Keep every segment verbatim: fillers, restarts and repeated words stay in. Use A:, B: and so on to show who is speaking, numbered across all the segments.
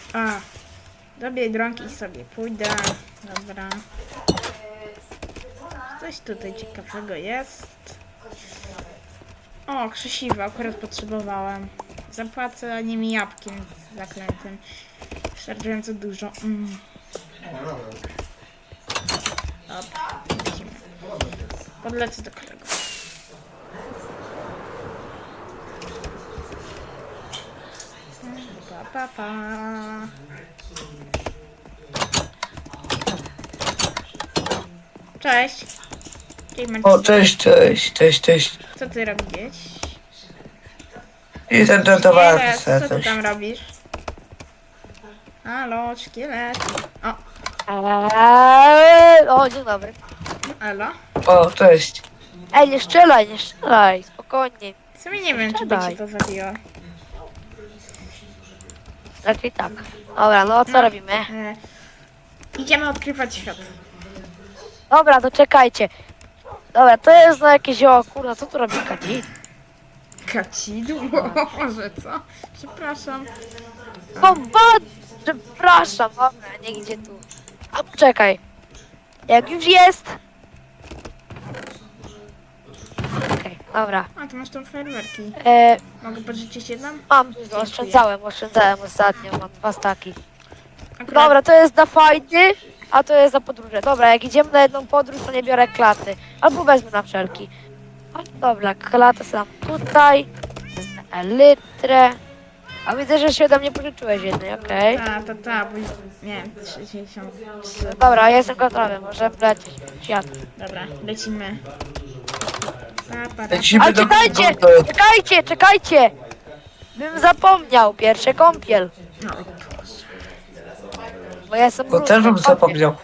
A: A, do Biedronki sobie pójdę. Dobra. Coś tutaj ciekawego jest. O, krzesiwo, akurat potrzebowałem. Zapłacę nimi jabłkiem zaklętym. Wystarczająco dużo. Mm. Dobra, lecimy. Podlecę do kolegów. Pa, pa, pa. Cześć. Cześć, Marcin.
B: O, cześć, cześć, cześć, cześć.
A: Co ty robisz?
B: I ten ten towar
A: Szkielet,
B: chce
A: co ty
B: coś.
A: tam robisz? Halo, szkielet. O,
C: Eee, o, dzień dobry.
A: elo.
B: O, cześć.
C: Ej, nie strzelaj, nie strzelaj, spokojnie.
A: W sumie nie wiem, czy by
C: Siadaj.
A: cię to zabiło.
C: Raczej tak. Dobra, no co
A: No.
C: robimy?
A: E, idziemy odkrywać świat.
C: Dobra, to czekajcie. Dobra, to jest no jakieś, o kurwa, co tu robi kadzi?
A: Kacidło? Może co? Przepraszam.
C: Bomba! Przepraszam, dobra, nie idzie tu. A poczekaj. Jak już jest. Okej, dobra.
A: A, tu masz tam fajerwerki.
C: E,
A: Mogę pożyczyć jedną?
C: mam, oszczędzałem, oszczędzałem ostatnio, mam dwa staki.
A: Akurat...
C: Dobra, to jest na fajny, a to jest za podróże. Dobra, jak idziemy na jedną podróż, to nie biorę klaty. Albo wezmę na wszelki. A, dobra, klatę sam tutaj. Wezmę elytrę. A widzę, że się ode mnie pożyczyłeś jednej, okej.
A: Ta, ta, ta, bo... Nie, sześćdziesiąt trzy.
C: Dobra, ja jestem gotowy, możemy lecieć. Świat.
A: Dobra, lecimy. Pa, pa, pa.
B: Lecimy
C: Ale
B: do
C: czekajcie,
B: przygody.
C: czekajcie, czekajcie! Bym zapomniał, pierwszy kąpiel.
A: No,
C: Bo ja jestem
B: Bo też bym zapomniał.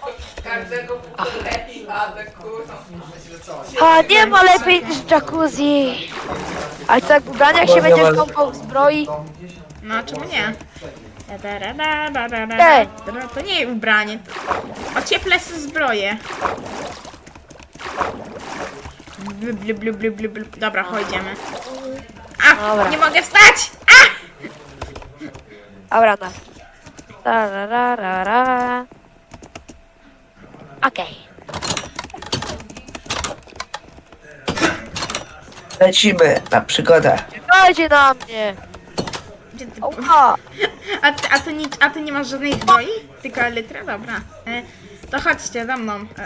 C: A nie ma lepiej niż jacuzzi. Ale co jak w ubraniach
B: Bo
C: się
B: nie
C: będziesz
B: ma-
C: kąpał w zbroi?
A: no czemu nie? Da, da, da, da, da, da,
C: Ej.
A: da, da. To nie ubranie. To... Ocieplę sobie zbroję. Blu, blu, blu, blu, blu, blu. Dobra, chodzimy. A!
C: Dobra.
A: Nie mogę wstać! A!
C: Dobra, no. Ra, ra, ra, ra, ra. Okej.
B: Lecimy na przygodę.
C: Czekajcie na mnie.
A: Gdzie ty...
C: Oła.
A: A, ty, a, ty nie, a ty nie masz żadnej zbroi? Tylko elytrę? Dobra. E, to chodźcie za mną. E.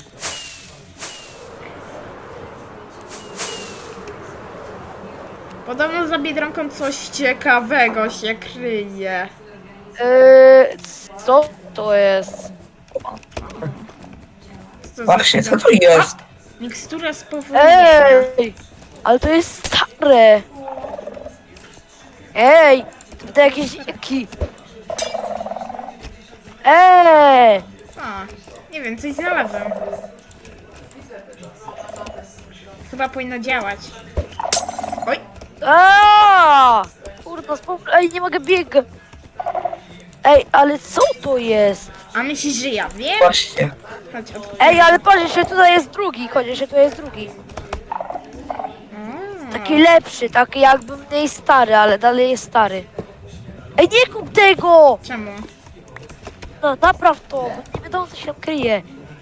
A: Podobno za Biedronką coś ciekawego się kryje.
C: Yy, co to jest?
A: Co za
B: Właśnie, co
A: ciekawe-
B: to jest?
A: Mikstura spowolnienia.
C: Ej! Ale to jest stare. Ej! To jakieś jaki. Ej!
A: Co? Nie wiem, coś znalazłem. Chyba powinno działać. Oj!
C: Aaa! Kurno, spokój. Ej, nie mogę biegać. Ej, ale co to jest?
A: A myślisz, że ja wiem?
B: Właśnie.
A: Chodź, od...
C: Ej, ale patrz, jeszcze tutaj jest drugi. Chodź, jeszcze tu jest drugi.
A: Mm.
C: Taki lepszy, taki jakby mniej stary, ale dalej jest stary. Ej, nie kup tego!
A: Czemu?
C: No, napraw to, bo nie wiadomo co się tam kryje.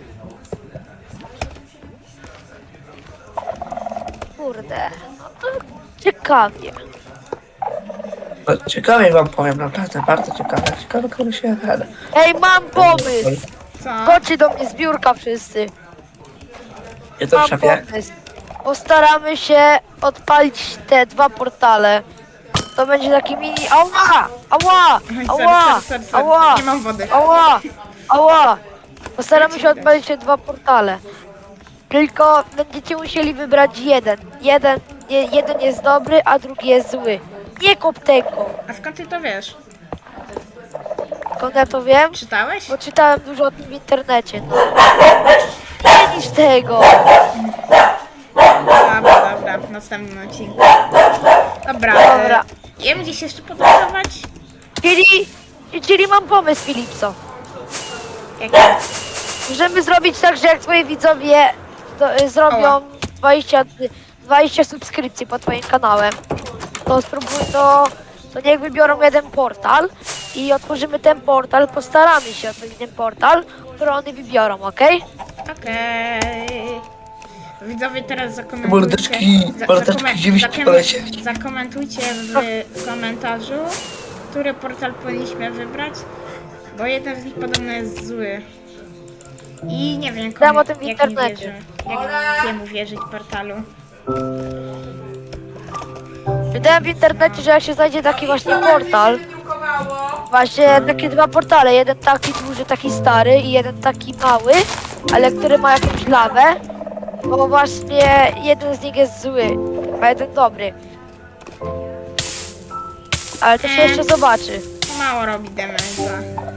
C: Kurde, no to ciekawie.
B: No, ciekawie wam powiem, naprawdę bardzo ciekawe. Ciekawe, który się jada.
C: Ej, mam pomysł!
A: Co?
C: Chodźcie do mnie z biurka wszyscy.
B: Nie to
C: Mam
B: szefie.
C: pomysł. Postaramy się odpalić te dwa portale. To będzie taki mini... Ała! Ała!
A: Oj,
C: Ała!
A: sorry, sorry, sorry.
C: Ała!
A: Nie mam wody.
C: Ała! Ała! Postaramy się odpalić te dwa portale. Tylko będziecie musieli wybrać jeden. Jeden, nie, jeden jest dobry, a drugi jest zły. Nie kup tego.
A: A skąd ty to wiesz?
C: Skąd ja to wiem?
A: Czytałeś?
C: Bo czytałem dużo o tym w internecie. No. Nie niż tego.
A: Dobra, dobra, w następnym odcinku. Dobra,
C: Dobra.
A: E, jem gdzieś jeszcze podróżować?
C: Czyli, czyli mam pomysł, Filipso.
A: Jaki?
C: Możemy zrobić tak, że jak twoi widzowie to, y, zrobią
A: Ała.
C: dwadzieścia, dwadzieścia subskrypcji pod twoim kanałem, to spróbuj to to niech wybiorą jeden portal i otworzymy ten portal, postaramy się otworzyć ten portal, który oni wybiorą, okej?
A: Okej. Widzowie teraz zakomentujcie.
B: Mordeczki, mordeczki,
A: zakomen-
B: gdzie byście
A: zakom-
B: polecieli?
A: Zakomentujcie w komentarzu, który portal powinniśmy wybrać, bo jeden z nich podobno jest zły. I nie wiem,
C: Dam
A: komu,
C: o tym w
A: jak
C: internecie.
A: wierzy, jak jemu wierzyć portalu.
C: Wydałem w internecie, że jak się znajdzie taki właśnie portal, właśnie takie dwa portale, jeden taki duży, taki stary i jeden taki mały, ale który ma jakąś lawę, bo właśnie jeden z nich jest zły, a jeden dobry. Ale to się jeszcze zobaczy.
A: Mało robi damage'a.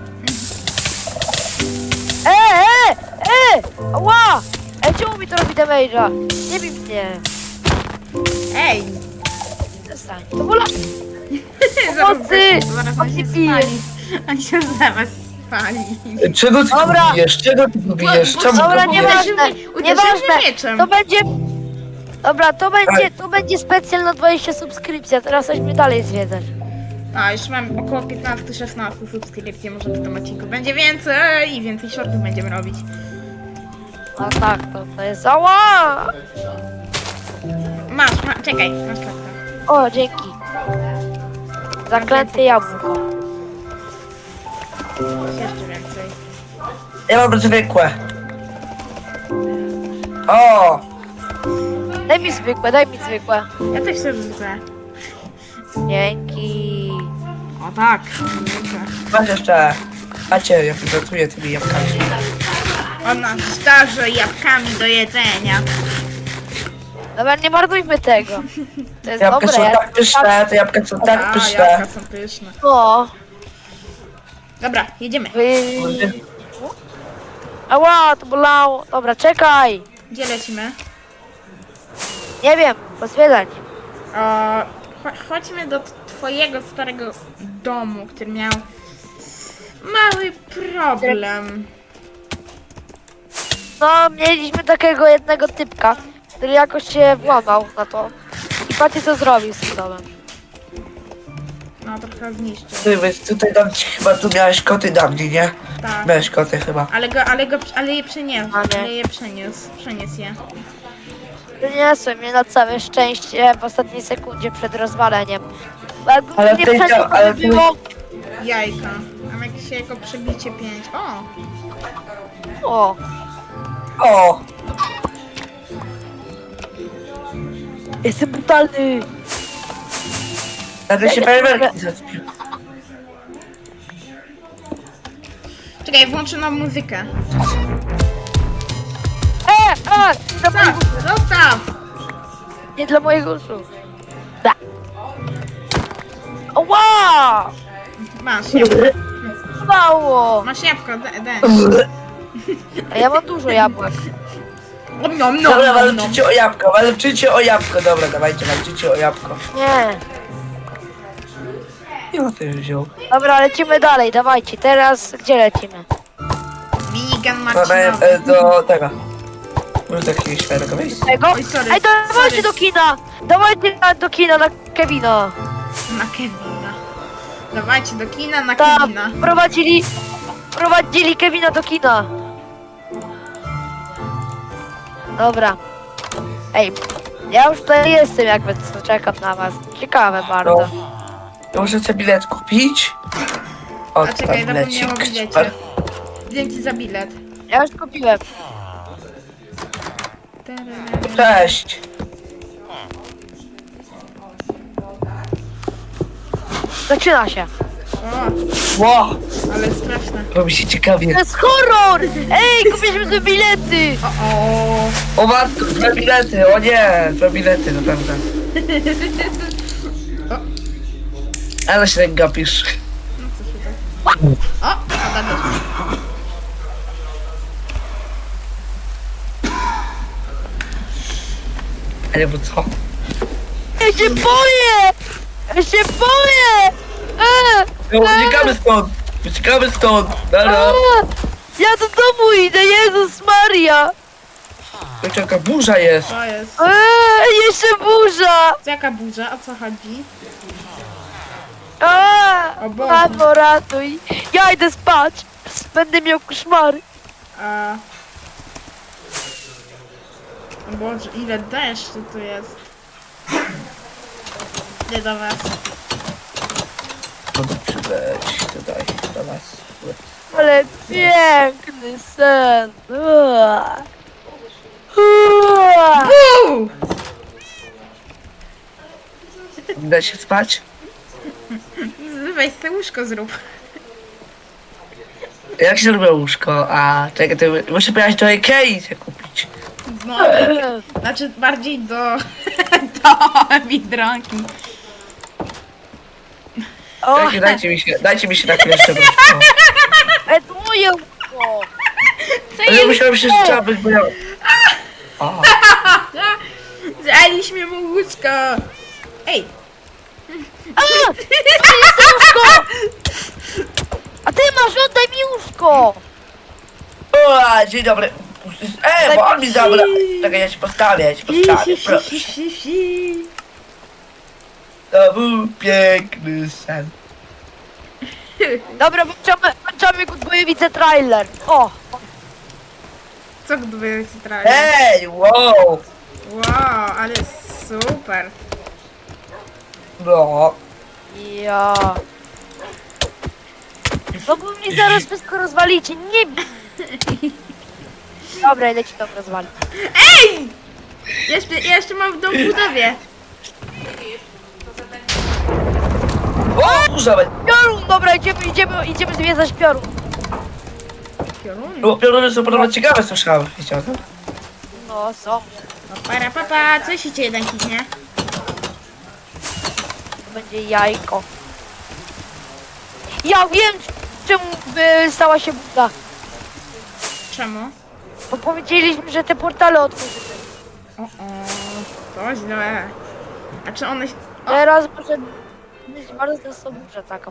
C: E, e, e! Ła! Ej, czemu mi to robi damage'a? Nie bij mnie.
A: Ej!
C: Przestań. To bola...
A: Zaraz,
C: Pomocy!
A: zaraz on
C: On
A: się
C: mnie bije.
A: spali. On się zaraz spali.
B: Czego ty
C: Dobra.
B: tu bijesz? Czego ty tu bijesz?
A: Bo-
B: Czemu
C: Dobra,
B: tu
A: nie
B: bijesz?
C: nieważne,
A: Uderzył mnie
C: nieważne.
A: mieczem.
C: To będzie... Dobra, to będzie, to będzie specjal na dwadzieścia subskrypcji, a teraz chodźmy dalej zwiedzać.
A: A, już mam około piętnaście szesnaście subskrypcji, może w tym odcinku będzie więcej i więcej shortów będziemy robić.
C: No tak, to, to jest... Ała!
A: Masz, ma, czekaj, masz kartę.
C: O, dzięki. Zaklęte jabłko.
A: Masz jeszcze więcej.
B: Ja mam zwykłe. O!
C: Daj mi zwykłe, daj mi zwykłe.
A: Ja też sobie zwykłe.
C: Dzięki.
A: O tak, zwykłe.
B: Masz jeszcze. Macie, jak pracuję tymi jabłkami.
A: Ona starze jabłkami do jedzenia.
C: Dobra, nie marnujmy tego. To jest
B: Jabłka
C: dobre.
B: są
C: ja-
B: tak pyszne, te jabłka są tak
A: A,
B: pyszne.
A: jabłka są pyszne.
C: No.
A: Dobra, jedziemy.
C: Wy... Ała, to bolało. Dobra, czekaj.
A: Gdzie lecimy?
C: Nie wiem, pozwiedzać.
A: O, cho- chodźmy do t- twojego starego domu, który miał mały problem.
C: No, mieliśmy takiego jednego typka, który jakoś się włamał na to. I patrzcie, co zrobił z tym domem.
A: No, trochę zniszczył.
B: Ty, więc tutaj dam ci chyba, tu miałeś koty na mnie, nie?
A: Tak.
B: Miałeś koty chyba.
A: Ale go, ale go, ale je przeniósł,
C: A nie.
A: ale je przeniósł, przeniósł je.
C: Przyniosłem je na całe szczęście w ostatniej sekundzie przed rozwaleniem. Bo jakbym
B: Ale
C: nie
B: w tej
C: przeniósł,
B: dzia- ale
C: to
B: w
C: by
B: tej-
C: było...
A: Jajka. Mam jakieś jego przebicie pięć. O!
C: O,
B: O!
C: jestem brutalny.
B: Nagle się fajerwerki zaspił.
A: Czekaj, włączę nam muzykę.
C: E, e, nie dla mojego,
A: Zostaw! Zostaw!
C: nie dla mojego uszu. Da. Ła!
A: Masz jabłko.
C: Mało.
A: Masz jabłko, de, de.
C: A ja mam dużo jabłek.
A: Nom, nom, nom,
B: Dobra,
A: nom, nom.
B: walczycie o jabłko, walczycie o jabłko. Dobra, dawajcie, walczycie o jabłko.
C: Nie.
B: Nie ma tego wziął.
C: Dobra, lecimy dalej, dawajcie. Teraz gdzie lecimy?
A: Minigun
B: Dobra,
A: Marcinowy.
B: e, do tego. Może do jakiegoś świetnego miejsca.
C: Tego?
A: Oj, sorry,
C: Ej, dawajcie
A: sorry.
C: do kina! Dawajcie na, do kina na Kevina.
A: Na Kevina. Dawajcie do kina na
C: Tak,
A: Kevina.
C: prowadzili, prowadzili Kevina do kina. Dobra. Ej, ja już tutaj jestem, jakby co, czekam na was. Ciekawe bardzo.
B: Ja muszę sobie bilet kupić. O,
A: A czekaj,
B: tam
A: zapomniałam o
B: bilecik.
A: bilecie. Dzięki za bilet.
C: Ja już kupiłem.
B: Cześć.
C: Zaczyna się.
A: O,
B: Ło,
A: ale straszne.
B: robi się ciekawie.
C: To jest horror! Ej, kupiliśmy te bilety!
A: O, o.
B: O matko, dwa bilety, o nie, dwa bilety, naprawdę. Ale się tak gapisz.
A: No co się tak... O, a też.
B: A nie, bo co?
C: Ja się boję! Ja się boję! E,
B: No, uciekamy stąd! Uciekamy stąd! Dobra!
C: e, ja do domu idę, Jezus Maria!
B: To jaka burza jest!
A: To jest.
C: E, jeszcze burza!
A: Jaka burza? O co chodzi?
C: A,
A: O Boże.
C: mamo, ratuj. Ja idę spać. Będę miał koszmary.
A: A... O Boże, ile deszczu tu jest. Nie do was.
B: No to przyleć tutaj do nas.
C: Ale piękny sen. Ua. Ua.
A: Uuu!
B: Da się spać?
A: Weź te łóżko zrób.
B: Jak się robi łóżko? A czekaj, to muszę pojechać do Ikei się kupić.
A: No, znaczy bardziej do... do Biedronki.
C: O,
B: Czekaj, dajcie mi się, dajcie mi się na chwilę jeszcze łóżko.
C: e, to moje łóżko.
A: Co
B: Ale ja
A: jest?
B: musiałem się trzeba być, bo ja... O,
A: Zaliśmy mu łóżko. Ej,
C: A, to jest łóżko. A ty masz, oddaj mi łóżko.
B: o, dzień dobry. E, bo on mi zabrał. Czekaj, ja się postawię, ja się postawię, proszę. To był piękny sen.
C: Dobra, włączamy, włączamy Goodboyewice trailer. O,
A: Co gdyby centralnie?
B: Ej, wow.
A: Wow, ale super.
B: No.
C: ja. No bo mi zaraz wszystko rozwalicie, nie bij. Dobra, idę ci to rozwalić.
A: Ej! Jeszcze, ja jeszcze mam w domu budowie.
B: O, kurza,
C: Piorun, dobra, idziemy, idziemy, idziemy zwiedzać piorun.
A: Piorun.
B: bo pioruny są podobno ciekawe, słyszałem. Wiecie o tym?
C: No, są.
A: No, para papa, co się cię jeden kitnie?
C: To będzie jajko. Ja wiem, czemu by stała się buda.
A: Czemu?
C: Bo powiedzieliśmy, że te portale otworzymy.
A: O, o, to źle. A czy one się... O,
C: Teraz może być bardzo soburza taka.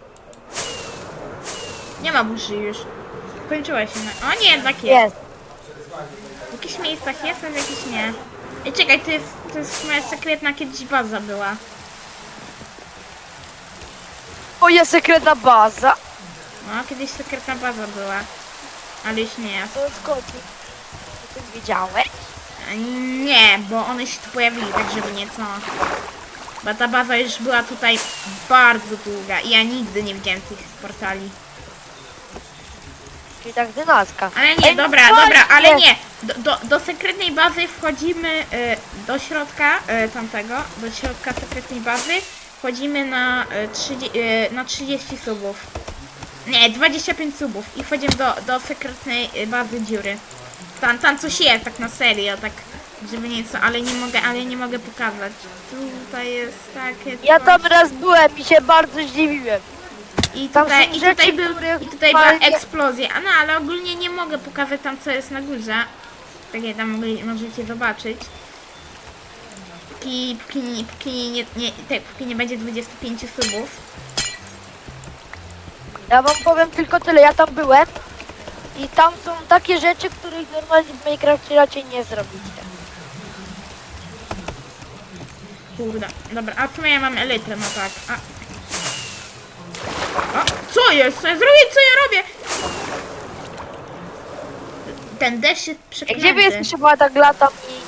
A: nie ma burzy już. Kończyła się na... O nie, jednak jest.
C: Jest.
A: W jakichś miejscach jest, a w jakichś nie. Ej, czekaj, to jest, to jest moja sekretna kiedyś baza była.
C: Moja sekretna baza.
A: No, kiedyś sekretna baza była. Ale już nie jest.
C: To skąd? O tym wiedziałeś?
A: A nie, bo one się tu pojawili, tak żeby nieco. Bo ta baza już była tutaj bardzo długa i ja nigdy nie widziałem tych portali.
C: Czyli tak dynastka.
A: Ale nie,
C: Ej, no
A: dobra,
C: właśnie.
A: dobra, ale nie. Do, do, do sekretnej bazy wchodzimy y, do środka y, tamtego, do środka sekretnej bazy wchodzimy na, y, trzydzieści, y, na trzydzieści subów. Nie, dwadzieścia pięć subów i wchodzimy do, do sekretnej y, bazy dziury. Tam, tam coś jest, tak na serio, tak żeby nieco, ale nie mogę, ale nie mogę pokazać. Tutaj jest takie
C: Ja
A: coś.
C: tam raz byłem i się bardzo zdziwiłem.
A: I
C: Tam
A: tutaj,
C: są
A: i
C: rzeczy,
A: tutaj, był,
C: których
A: i tutaj była
C: normalnie-
A: eksplozja. A no, ale ogólnie nie mogę pokazać tam, co jest na górze. Tak jak tam mogli, możecie zobaczyć. Póki, póki, nie, póki, nie, nie, tak, póki nie będzie dwudziestu pięciu subów.
C: Ja wam powiem tylko tyle, ja tam byłem i tam są takie rzeczy, których normalnie w Minecrafcie raczej nie zrobicie.
A: Kurde, dobra, a co ja mam elytrę, no tak. A, a co jest? Co ja zrobię? Co ja robię? Ten deszcz jest
C: Ej,
A: przeklęty.
C: gdzie wy jesteście, bo ja tak latam i